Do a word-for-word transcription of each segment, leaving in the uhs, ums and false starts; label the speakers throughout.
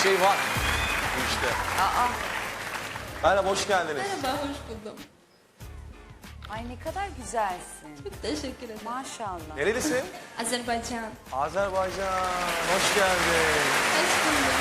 Speaker 1: şey var bu işte.
Speaker 2: Aa.
Speaker 1: Merhaba, hoş geldiniz.
Speaker 3: Merhaba, hoş buldum.
Speaker 2: Ay ne kadar güzelsin.
Speaker 3: Çok teşekkür ederim.
Speaker 2: Maşallah.
Speaker 1: Nerelisin?
Speaker 3: Azerbaycan.
Speaker 1: Azerbaycan. Hoş geldin.
Speaker 3: Hoş buldum.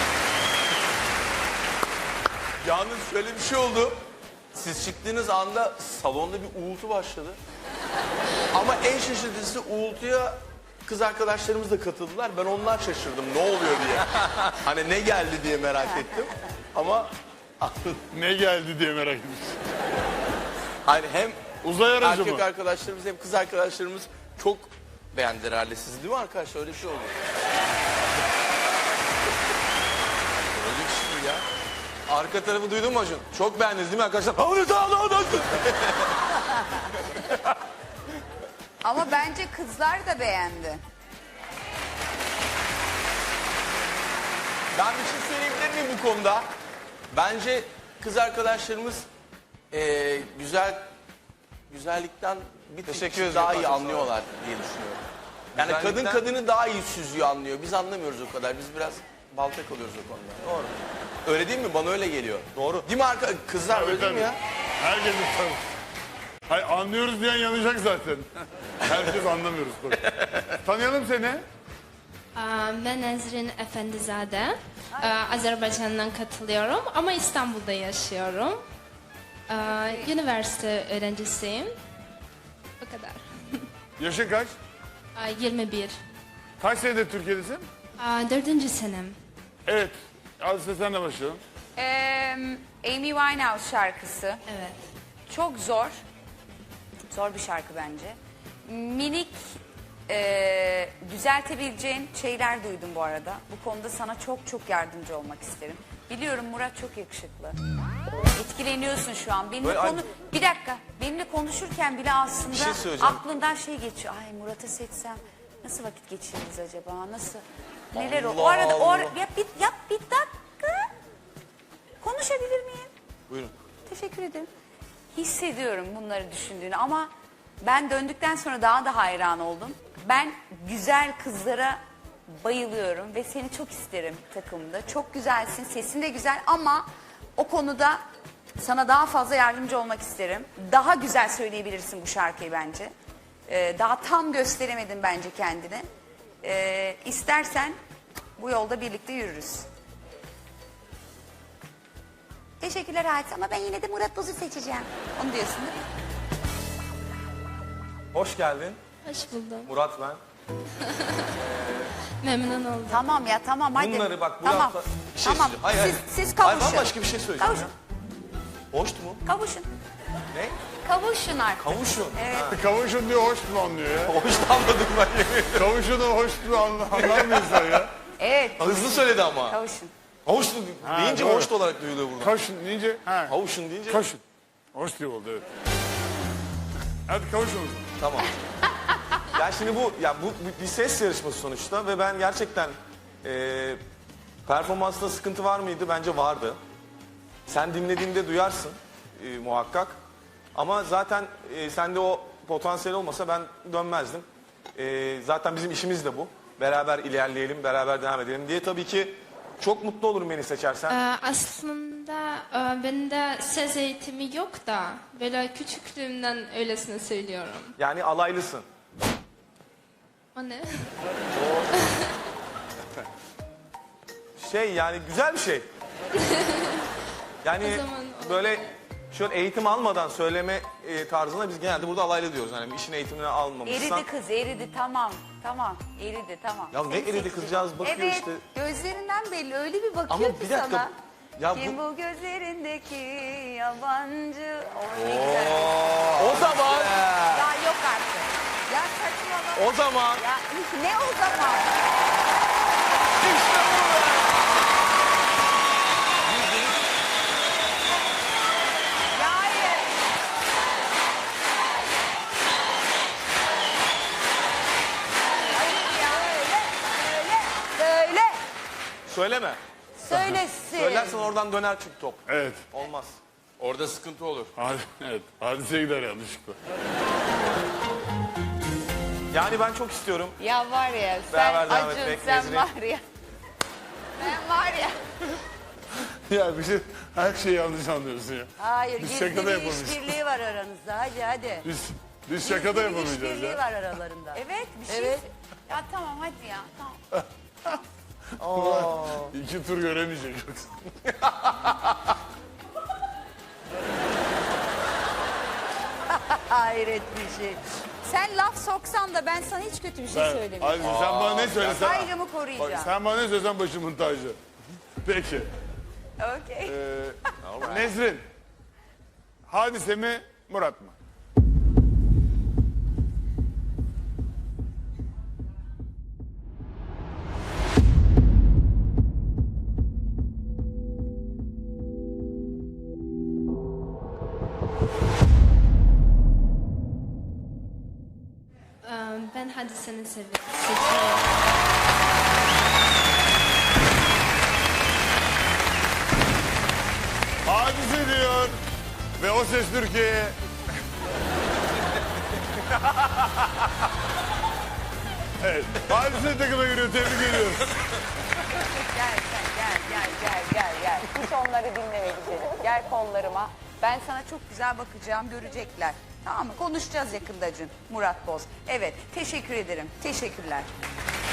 Speaker 1: Yalnız şöyle bir şey oldu. Siz çıktığınız anda salonda bir uğultu başladı. Ama en şaşırtıcısı uğultuya kız arkadaşlarımız da katıldılar. Ben onlar şaşırdım ne oluyor diye. Hani ne geldi diye merak ettim. Ama
Speaker 4: Ne geldi diye merak ettim.
Speaker 1: hani hem
Speaker 4: Uzay aracı
Speaker 1: erkek
Speaker 4: mı?
Speaker 1: arkadaşlarımız hem kız arkadaşlarımız çok beğendiler herhalde sizi, değil mi arkadaşlar? Öyle bir şey oldu. Öyle bir şey ya. Arka tarafı duydun mu Acun? Çok beğendiniz değil mi arkadaşlar?
Speaker 2: Ama bence kızlar da beğendi.
Speaker 1: Ben bir şey söyleyebilir miyim bu konuda? Bence kız arkadaşlarımız eee, güzel güzellikten bir
Speaker 5: Teşekkür
Speaker 1: tık
Speaker 5: ederim.
Speaker 1: daha iyi
Speaker 5: Çok sağ olun.
Speaker 1: anlıyorlar diye düşünüyorum. Yani kadın
Speaker 5: Güzellikten-
Speaker 1: kadını daha iyi süzüyor, anlıyor. Biz anlamıyoruz o kadar. Biz biraz balta kalıyoruz o konuda. Doğru. Öyle değil mi? Bana öyle geliyor. Doğru. Değil mi arka kızlar, öyle değil mi ya?
Speaker 4: Herkes tabii. Hayır, anlıyoruz diyen yanacak zaten. Herkes anlamıyoruz tabii. Tanıyalım seni.
Speaker 3: Aa, Ben Ezrin Efendizade. Aa, Azerbaycan'dan katılıyorum ama İstanbul'da yaşıyorum. Aa, Üniversite öğrencisiyim. Bu kadar.
Speaker 4: Yaşın kaç?
Speaker 3: Aa, yirmi bir.
Speaker 4: Kaç senedir Türkiye'desin?
Speaker 3: Aa, Dördüncü senem.
Speaker 4: Evet. Azize senle başlayalım.
Speaker 2: Ee, Amy Winehouse şarkısı.
Speaker 3: Evet.
Speaker 2: Çok zor. Zor bir şarkı bence. Minik e, düzeltebileceğin şeyler duydum bu arada. Bu konuda sana çok çok yardımcı olmak isterim. Biliyorum Murat çok yakışıklı. Etkileniyorsun şu an. Benimle
Speaker 1: Böyle
Speaker 2: konu...
Speaker 1: ay-
Speaker 2: Bir dakika. Benimle konuşurken bile aslında
Speaker 1: Bir şey söyleyeceğim.
Speaker 2: aklından şey geçiyor. Ay Murat'ı seçsem nasıl vakit geçiririz acaba? Nasıl? Neler o?
Speaker 1: Allah
Speaker 2: O arada o ara...
Speaker 1: Allah.
Speaker 2: Ya bir, ya bir dakika. Konuşabilir miyim?
Speaker 1: Buyurun.
Speaker 2: Teşekkür ederim. Hissediyorum bunları düşündüğünü ama ben döndükten sonra daha da hayran oldum. Ben güzel kızlara bayılıyorum ve seni çok isterim takımda. Çok güzelsin, sesin de güzel ama o konuda sana daha fazla yardımcı olmak isterim. Daha güzel söyleyebilirsin bu şarkıyı bence. Ee, daha tam gösteremedin bence kendini. Ee, istersen bu yolda birlikte yürürüz. Teşekkürler Halis ama ben yine de Murat Boz'u seçeceğim. Onu diyorsun değil mi?
Speaker 5: Hoş geldin.
Speaker 3: Hoş buldum.
Speaker 5: Murat ben.
Speaker 3: Memnun oldum.
Speaker 2: Tamam ya tamam hadi.
Speaker 5: Bunları bak bu
Speaker 2: tamam.
Speaker 5: hafta-
Speaker 1: Bir şey
Speaker 2: tamam.
Speaker 1: söyleyeceğim. Hayır, hayır.
Speaker 2: Siz, siz
Speaker 1: Hayır,
Speaker 2: kavuşun.
Speaker 1: bambaşka bir şey söyleyeceğim
Speaker 2: Kavuşun.
Speaker 1: ya. Hoştu mu?
Speaker 2: Kavuşun.
Speaker 1: Ne?
Speaker 2: Kavuşun artık.
Speaker 1: Kavuşun.
Speaker 2: Evet.
Speaker 4: Kavuşun diyor, hoş mu anlıyor ya?
Speaker 1: Hoş anladım ben yemin ederim.
Speaker 4: Kavuşunu hoş mu anla- anlar mı insan ya?
Speaker 2: Evet.
Speaker 1: Hızlı söyledi ama.
Speaker 2: Kavuşun.
Speaker 1: Hoştu
Speaker 4: Ha,
Speaker 1: deyince
Speaker 4: doğru.
Speaker 1: hoştu olarak duyuluyor burada.
Speaker 4: Kavuşun deyince, ha.
Speaker 1: Kavuşun deyince
Speaker 4: Kavuşun. Hoş diyor oldu, evet. Hadi kavuşun o zaman.
Speaker 1: tamam.
Speaker 5: Ya şimdi bu ya bu bu bir ses yarışması sonuçta ve ben gerçekten e, performansta sıkıntı var mıydı? Bence vardı. Sen dinlediğinde duyarsın e, muhakkak. Ama zaten e, sende o potansiyel olmasa ben dönmezdim. E, zaten bizim işimiz de bu. Beraber ilerleyelim, beraber devam edelim diye tabii ki çok mutlu olurum beni seçersen.
Speaker 3: Ee, aslında e, bende ses eğitimi yok da böyle küçüklüğümden öylesine söylüyorum.
Speaker 5: Yani alaylısın.
Speaker 3: O ne?
Speaker 5: Şey yani güzel bir şey. Yani
Speaker 3: O zaman o-
Speaker 5: böyle şöyle eğitim almadan söyleme e, tarzına biz genelde burada alaylı diyoruz. Yani işin eğitimini almamışsan.
Speaker 2: Eridi kız eridi tamam. Tamam eridi tamam.
Speaker 5: Ya ne
Speaker 2: Seni
Speaker 5: eridi
Speaker 2: seçeceğim.
Speaker 5: kızcağız bakıyor
Speaker 2: evet,
Speaker 5: işte.
Speaker 2: gözlerinden belli öyle bir bakıyor
Speaker 5: Ama
Speaker 2: ki
Speaker 5: bir dakika,
Speaker 2: sana.
Speaker 5: ya
Speaker 2: Kim
Speaker 5: bu-
Speaker 2: bu gözlerindeki yabancı? O ne güzel.
Speaker 5: O zaman,
Speaker 2: Ya yok artık. Ya saçmalama.
Speaker 5: o zaman
Speaker 2: Ya ne o zaman?
Speaker 5: işte bu be.
Speaker 2: Ya hayır. Hayır ya öyle. Öyle. Söyle.
Speaker 5: Söyleme.
Speaker 2: Söylesin.
Speaker 5: Söylersen oradan döner çünkü top.
Speaker 4: Evet.
Speaker 5: Olmaz.
Speaker 1: Orada sıkıntı olur.
Speaker 4: Hadi, evet. Hadise gider yanlışlıkla.
Speaker 5: Yani ben çok istiyorum.
Speaker 2: Ya var ya sen
Speaker 5: Beraber devam
Speaker 2: Acun
Speaker 5: etmek,
Speaker 2: sen
Speaker 5: Nezri.
Speaker 2: var ya. Ben var ya.
Speaker 4: Ya bir şey, her şeyi yanlış anlıyorsun ya.
Speaker 6: Hayır,
Speaker 4: Biz
Speaker 6: gizli
Speaker 4: şakada
Speaker 6: bir
Speaker 4: yapamayız.
Speaker 6: işbirliği var aranızda. Hadi hadi.
Speaker 4: Biz, biz şakada
Speaker 6: Gizli bir
Speaker 4: yapamayacağız
Speaker 6: işbirliği
Speaker 4: ya.
Speaker 6: var aralarında.
Speaker 2: Evet bir şey.
Speaker 6: Evet.
Speaker 2: Ya tamam hadi ya. Tamam.
Speaker 4: İki tur göremeyecek yoksa.
Speaker 6: Hayret bir şey.
Speaker 2: Sen laf soksan da ben sana hiç kötü bir şey
Speaker 4: Ben,
Speaker 2: söylemiyorum.
Speaker 4: Aziz, sen bana ne söylesen...
Speaker 2: Saygımı
Speaker 4: Bak,
Speaker 2: koruyacağım.
Speaker 4: sen bana ne söylesen başımın tacı. Peki.
Speaker 2: Okey.
Speaker 4: Ee, Nesrin. Hadise mi, Murat mı?
Speaker 3: Ee, Ben Hadise'ni sevi- seçiyorum.
Speaker 4: Hadise diyor. Ve O Ses Türkiye'ye... Evet. Hadise takıma giriyor. Tebrik ediyoruz.
Speaker 2: Gel sen gel gel gel gel gel. Hiç onları dinleme güzelim. Gel kollarıma. Ben sana çok güzel bakacağım, görecekler. Tamam mı? Konuşacağız yakında Acun. Murat Boz. Evet, teşekkür ederim. Teşekkürler.